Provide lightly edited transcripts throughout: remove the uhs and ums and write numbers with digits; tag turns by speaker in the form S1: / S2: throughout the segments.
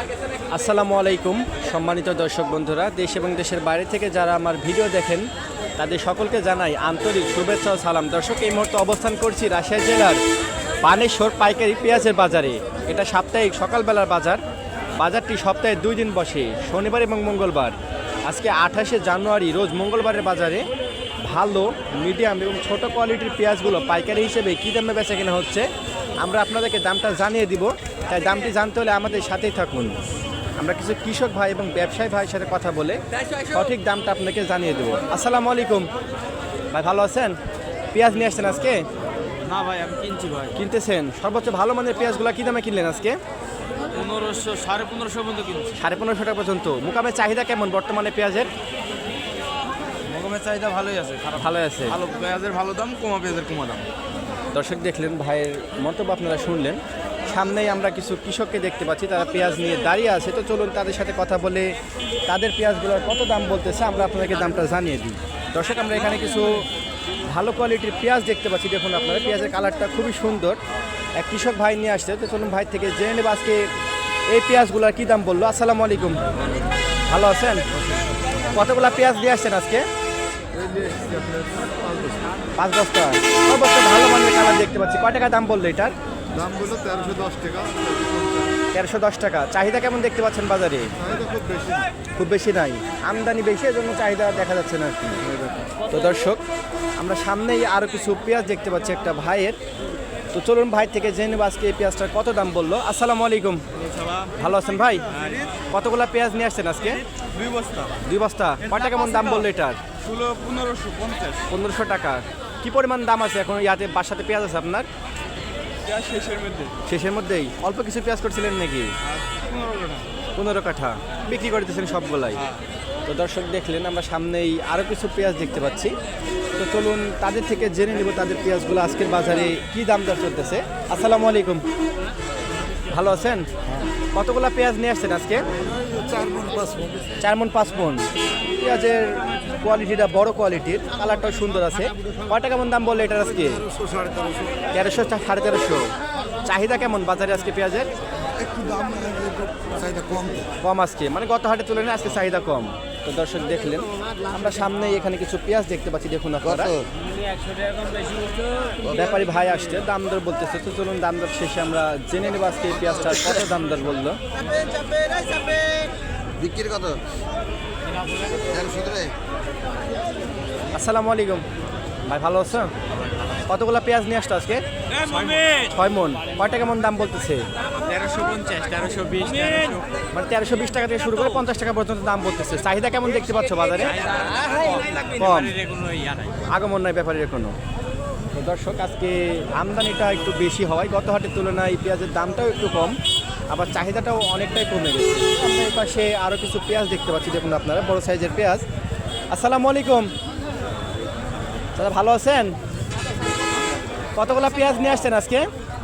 S1: আসসালামু আলাইকুম সম্মানিত দর্শক বন্ধুরা, দেশ এবং দেশের বাইরে থেকে যারা আমার ভিডিও দেখেন তাদের সকলকে জানাই আন্তরিক শুভেচ্ছা ও সালাম। দর্শক, এই মুহূর্তে অবস্থান করছি রাজশাহী জেলার বানেশ্বর পাইকারি পেঁয়াজের বাজারে। এটা সাপ্তাহিক সকালবেলার বাজার। বাজারটি সপ্তাহে 2 দিন বসে, শনিবার এবং মঙ্গলবার। আজকে 28শে জানুয়ারি রোজ মঙ্গলবারের বাজারে ভালো, মিডিয়াম এবং ছোট কোয়ালিটির পেঁয়াজগুলো পাইকারি হিসেবে কী দামে বেচা কেনা হচ্ছে আমরা আপনাদেরকে দামটা জানিয়ে দিব। তাই দামটি জানতে হলে আমাদের সাথেই থাকুন। আমরা কিছু কৃষক ভাই এবং ব্যবসায়ী ভাইয়ের সাথে কথা বলে সঠিক দামটা আপনাকে জানিয়ে দেবো। আসসালামু আলাইকুম ভাই, ভালো আছেন? পেঁয়াজ নিয়ে আসছেন আজকে?
S2: না ভাই, আমি কিনছি ভাই।
S1: কিনতেছেন? সর্বোচ্চ ভালো মানের পেঁয়াজগুলো কী দামে কিনলেন আজকে?
S2: 1500, 1550 পর্যন্ত কিনছি।
S1: 1550 টাকা পর্যন্ত। মোকামে চাহিদা কেমন বর্তমানে পেঁয়াজের?
S2: মগমের চাহিদা ভালোই আছে, খারাপ
S1: ভালো আছে।
S2: ভালো পেঁয়াজের ভালো দাম, কমা পেঁয়াজের কমা দাম।
S1: দর্শক দেখলেন, ভাইয়ের মন্তব্য আপনারা শুনলেন। সামনেই আমরা কিছু কৃষককে দেখতে পাচ্ছি, তারা পেঁয়াজ নিয়ে দাঁড়িয়ে আছে। তো চলুন তাদের সাথে কথা বলে তাদের পেঁয়াজগুলোর কত দাম বলতেছে আমরা আপনাদেরকে দামটা জানিয়ে দিই। দর্শক, আমরা এখানে কিছু ভালো কোয়ালিটির পেঁয়াজ দেখতে পাচ্ছি। দেখুন আপনারা, পেঁয়াজের কালারটা খুবই সুন্দর। এক কৃষক ভাই নিয়ে আসছে। তো চলুন ভাই থেকে জেনে নেব আজকে এই পেঁয়াজগুলোর কী দাম বললো। আসসালামু আলাইকুম, ভালো আছেন? কতগুলা পেঁয়াজ দিয়ে আসছেন আজকে? 5 বস্তা। সর্বোচ্চ ভালো মানের কালার দেখতে পাচ্ছি। কয় টাকা দাম বললো এটার?
S3: দাম বললো 1310 টাকা।
S1: 1310 টাকা। চাহিদা কেমন দেখতে পাচ্ছেন বাজারে?
S3: চাহিদা খুব বেশি।
S1: খুব বেশি নাই, আমদানি বেশি, এজন্য চাহিদা দেখা যাচ্ছে না আর কি। তো দর্শক, আমরা সামনেই আরও কিছু পেঁয়াজ দেখতে পাচ্ছি একটা ভাইয়ের। তো চলুন ভাই থেকে জেনে নেব আজকে এই পেঁয়াজটার কত দাম বললো। আসসালামু আলাইকুম, ভালো আছেন ভাই? কতগুলা পেঁয়াজ নিয়ে আসছেন আজকে?
S2: 2 বস্তা।
S1: 2 বস্তা। কয়টা কেমন দাম বললো এটার?
S2: 1550।
S1: 1500 টাকা। কি পরিমাণ দাম আছে এখন ইয়াতে বাসাতে পেঁয়াজ আছে আপনার?
S2: পেঁয়াজ শেষের মধ্যে।
S1: শেষের মধ্যেই অল্প কিছু পেঁয়াজ করছিলেন নাকি? 15 কাঠা বিক্রি করে দিচ্ছেন সবগুলাই। তো দর্শক দেখলেন, আমরা সামনেই আরও কিছু পেঁয়াজ দেখতে পাচ্ছি। তো চলুন তাদের থেকে জেনে নেব তাদের পেঁয়াজগুলো আজকের বাজারে কী দাম দর চলতেছে। আসসালামু আলাইকুম, ভালো আছেন? কতগুলা পেঁয়াজ নিয়ে আসছেন আজকে? 4 মণ 5 মণ। পেঁয়াজের কোয়ালিটিটা বড় কোয়ালিটির, কালারটাও সুন্দর আছে। কয়টা কেমন দাম বললে এটার আজকে? 1300, 1350। চাহিদা কেমন বাজারে আজকে পেঁয়াজের?
S3: একটু দাম চাহিদা কম।
S1: কম আজকে, মানে গত হাটে তুলনায় আজকে চাহিদা কম। তো দর্শক দেখলেন, আমরা সামনে এখানে কিছু পেঁয়াজ দেখতে পাচ্ছি। দেখুন আপনারা, ব্যাপারী ভাই আসছে, দাম দর বলতেছে। তো চলুন দাম দর শেষে আমরা জেনে নেব আজকে এই পেঁয়াজটার কত দাম দর বললো।
S3: বিক্রির কত?
S1: আসসালামু আলাইকুম ভাই, ভালো আছো? কতগুলা পেঁয়াজ নিয়ে আসতো আজকে? 6 মণ। কয়টা কেমন দাম বলতেছে?
S2: 1350, 1320,
S1: মানে 1320 টাকা থেকে শুরু করে 50 টাকা পর্যন্ত দাম বলতেছে। চাহিদা কেমন দেখতে পাচ্ছ বাজারে? কম, আগমন নাই ব্যাপারের কোনো। তো দর্শক, আজকে আমদানিটা একটু বেশি হওয়ায় গত হাটের তুলনায় পেঁয়াজের দামটাও একটু কম, আবার চাহিদাটাও অনেকটাই কমে গেছে। আমরা এই পাশে আরও কিছু পেঁয়াজ দেখতে পাচ্ছি। দেখুন আপনারা, বড় সাইজের পেঁয়াজ। আসসালামু আলাইকুম দাদা, ভালো আছেন? কতগুলা পেঁয়াজ নিয়ে আসছেন আজকে?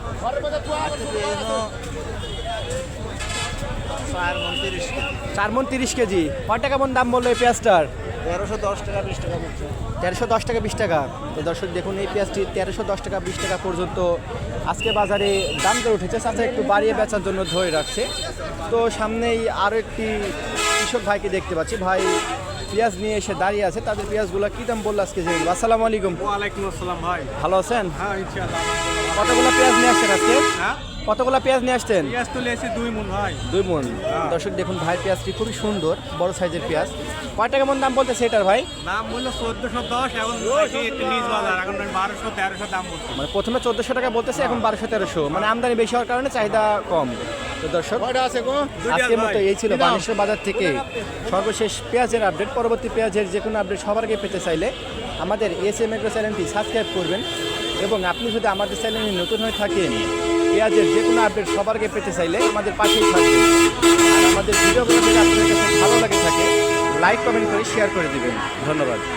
S1: 4 মণ 30 কেজি। কয় টাকা কেমন দাম বললো এই পেঁয়াজটার?
S2: 1310 টাকা, 20 টাকা বলছে।
S1: 1310 টাকা 20 টাকা। তো দর্শক দেখুন, এই পেঁয়াজটি 1310 টাকা 20 টাকা পর্যন্ত আজকে বাজারে দাম করে উঠেছে। চাচা একটু বাড়িয়ে বেচার জন্য ধরে রাখছে। তো সামনেই আরও একটি কৃষক ভাইকে দেখতে পাচ্ছি। ভাই পেঁয়াজ নিয়ে এসে দাঁড়িয়ে আছে। তাদের পেঁয়াজগুলো কী দাম বললো আজকে জেনে নেব। আসসালামু আলাইকুম।
S2: ওয়ালাইকুম আসসালাম ভাই,
S1: ভালো আছেন?
S2: হ্যাঁ ইনশাআল্লাহ।
S1: কতগুলো পেঁয়াজ নিয়ে আসছেন আজকে?
S2: হ্যাঁ,
S1: কতগুলো পেঁয়াজ নিয়ে আসছেন?
S2: পেঁয়াজ তুলে এসে 2 মণ ভাই।
S1: 2 মণ। দর্শক দেখুন, ভাই পেঁয়াজটি খুবই সুন্দর, বড় সাইজের পেঁয়াজ। কয় টাকা কেমন দাম বলতেছে এটার ভাই?
S2: দাম বললো 1410, এখন একটু নিচ বাজার, এখন 1200, 1300 দাম বলছে।
S1: মানে প্রথমে 1400 টাকা বলতেছে, এখন 1200-1300। মানে আমদানি বেশি হওয়ার কারণে চাহিদা কম। তো দর্শক, আজকের মতো এই ছিল বানেশ্বর বাজার থেকে সর্বশেষ পেঁয়াজের আপডেট। পরবর্তী পেঁয়াজের যে কোনো আপডেট সবার আগে পেতে চাইলে আমাদের এসএম এগ্রো চ্যানেলটি সাবস্ক্রাইব করবেন। এবং আপনি যদি আমাদের চ্যানেলে নতুন হয়ে থাকেন, পেঁয়াজের যে কোনো আপডেট সবার আগে পেতে চাইলে আমাদের পাশেই থাকবেন। আর আমাদের ভিডিওগুলো যদি আপনাদের কাছে ভালো লাগে থাকে, লাইক কমেন্ট করে শেয়ার করে দিবেন। ধন্যবাদ।